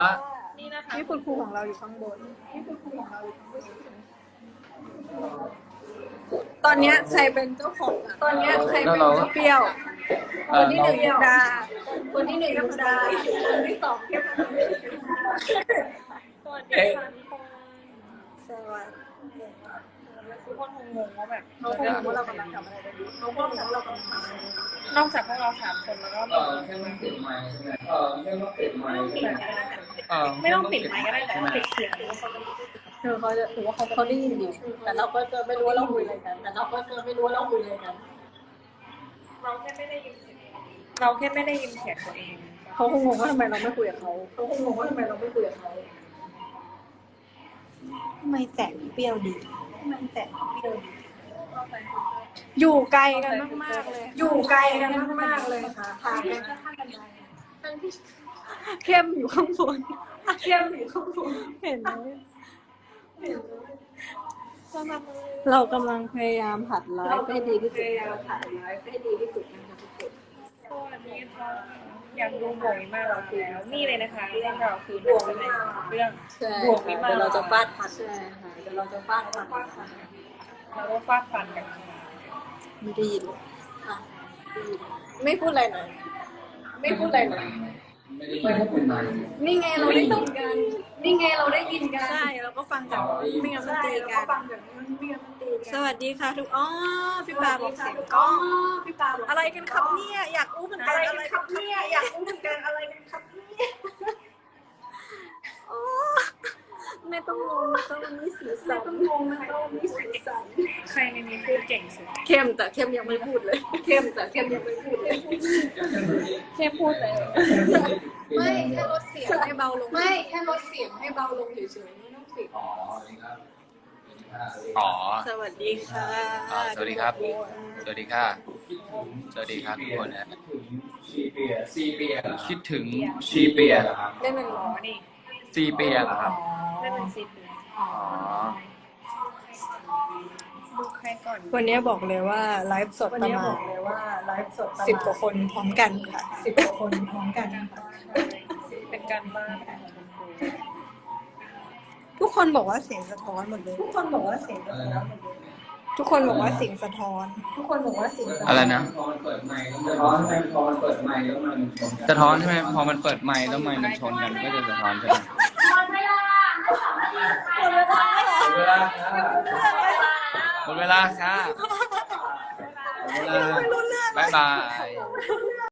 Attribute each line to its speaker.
Speaker 1: นี่นะคะ
Speaker 2: นี่คุณครูของเราอยู่ข้างบนนี่คุณครูของเราอยู่ข้างบนตอนนี้ใครเป็นเจ้าของอะตอนนี้ใครเป็นเจ้าเปรี้ยวคนที่หนึ่งดาคนที่หนึ่งธรรมดาคนที่สองเทพบุตร
Speaker 1: สวัสดีค่ะทุกคน
Speaker 2: สวัสดี
Speaker 1: ทุกคนคงงงว่าแบบ
Speaker 2: เขาคงรู้ว่าเรากำลังทำอะไรกันอยู่เขาคงรู้ว่าเรากำลังทำอะไรกันอยู่
Speaker 1: นอกจากพวกเราสามคนแล้วก็
Speaker 3: แค่ต้องปิดไมค์ใช่ไหมแค่ต้องปิดไมค์
Speaker 1: ไม่ต้องปิดไมค์ก็ได้แต่ว่าปิดเสียง
Speaker 2: เขาจะถือว่าเขาได้ยินอยู่แต่เราก็จะไม่รู้ว่าเราคุยอะไรกันแต่เราก็จะไม่รู้ว่าเราคุยอะไรกัน
Speaker 1: เราแค่ไม่ได้ยินเสียงเราแค่ไม่ได้ยินเสียงตัวเอง
Speaker 2: เขาคงงงว่าทำไมเราไม่คุยกับเขาเขาคงงงว่าทำไมเราไม่คุยกับเขาทำไมแสงเปรี้ยวดีทำไมแสงเปรี้ยวดีอยู่ไกลกันมากๆเลยอยู่ไกลกันมากๆเลยค่ะทางกันข้างกันไดเข้มอยู่ข้างบนเข้มอยู่ข้างบนเห็นไหมเรากำลังพยายามหัดไลฟ์ให้ดีที่สุดนะคะทุกคน
Speaker 1: สวัสดีค่ะอยากดูบวกมากแล้วนี่เลยนะคะเรื่องเราคือบวกเป็นเรื่อง
Speaker 2: ใช่
Speaker 1: บวกมิมา
Speaker 2: เดี๋ยวเราจะฟาดฟันใช่ค่ะเดี๋ยวเราจะฟาดฟันค่ะ
Speaker 1: เราก็ฟาดฟันกัน
Speaker 2: ไม่ได้ยินค่ะไม่พูดอะไรหน่อยไม่พูดอะไรหน่อย
Speaker 3: ไม่ต้องปิดไมค์
Speaker 2: นี่ไงเราได้ยินกันนี่ไงเราได้ยินกัน
Speaker 4: ใช่เราก็ฟังจากไม่งั้นมัน
Speaker 2: ใช่
Speaker 4: ตี
Speaker 2: เรา
Speaker 4: กั
Speaker 2: ก็
Speaker 4: น
Speaker 2: ฟังแบบนี้ไม่งั้นมันตีกัน
Speaker 4: สวัสดีค่ะทุกพี่ปาบอกเสียง
Speaker 2: ก
Speaker 4: กล้อง
Speaker 2: พี่ปาบอก
Speaker 4: อะไรกันครับเนี่ยอยากรู้เหมือนกั
Speaker 2: อะ
Speaker 4: น
Speaker 2: ไร
Speaker 4: อะไร
Speaker 2: กันค
Speaker 4: กั
Speaker 2: รั
Speaker 4: น
Speaker 2: บเนี่ยอยากรู้เหมือนกันอะไรกันครับเนี่ย
Speaker 4: อ๋อ
Speaker 2: ไม่ต้องงงนะคะวันนี้สีสันไม่ต้องงงนะคะวันนี้สีสัน
Speaker 1: ใครในนี้พูดเก่งสุด
Speaker 2: เข้มแต่เข้มยังไม่พูดเลยเข้มแต่เข้มยังไม่พูดเลย
Speaker 1: แค่พูดเลย
Speaker 2: ไม่แค่ลดเสียงให้เบาลงไม่แค่ลดเสียงให้เบาลงเฉยๆไม่ต้องเสียง
Speaker 3: อ๋อครับ
Speaker 5: อ๋อ
Speaker 4: สวัสดีค่ะ
Speaker 5: สวัสดีครับ สวัสดีค่ะ สวัสดีครับทุกคนนะ
Speaker 3: ซีเปีย
Speaker 5: คิดถึงชีเปียเหรอครับ
Speaker 2: ได้เป็น
Speaker 1: อ๋อนี่
Speaker 5: ซีเปียเหรอครับ
Speaker 1: ไม่เป็นซีปี
Speaker 5: อ๋อ
Speaker 1: ดูใครก่อน
Speaker 4: วันนี้บอกเลยว่าไลฟ์สด
Speaker 2: วัน
Speaker 4: ประ
Speaker 2: นี้
Speaker 4: มา
Speaker 2: บอ
Speaker 4: ณ
Speaker 2: กเลยว่าไลฟ์สด
Speaker 4: 10 กว่าคนพร้อมกันค่ะ
Speaker 2: 10 กว่าคนพร้อมกันค่ะ
Speaker 1: เป็นการบ้านของคุณครู
Speaker 4: ทุกคนบอกว่าเสียงสะท้อนหมดเลย
Speaker 2: ทุกคนบอกว่าเสียงสะท้อน
Speaker 4: ทุกคนบอกว่าเสียงสะท้อน
Speaker 2: ทุกคนบอกว่าเสียงสะท้อน
Speaker 5: อะไรนะ
Speaker 3: พอมันเปิดไมค์แล้วร้อนใช่พอมันเปิดไมค์แล้วมัน
Speaker 5: สะท้อนใช่ไหมพอมันเปิดไมค์แล้วไมค์มันชนกันก็จะสะท้อนใช่ไหม
Speaker 3: เวลาครับ
Speaker 5: หมดเวลาค่ะหมดเวลาบ๊ายบาย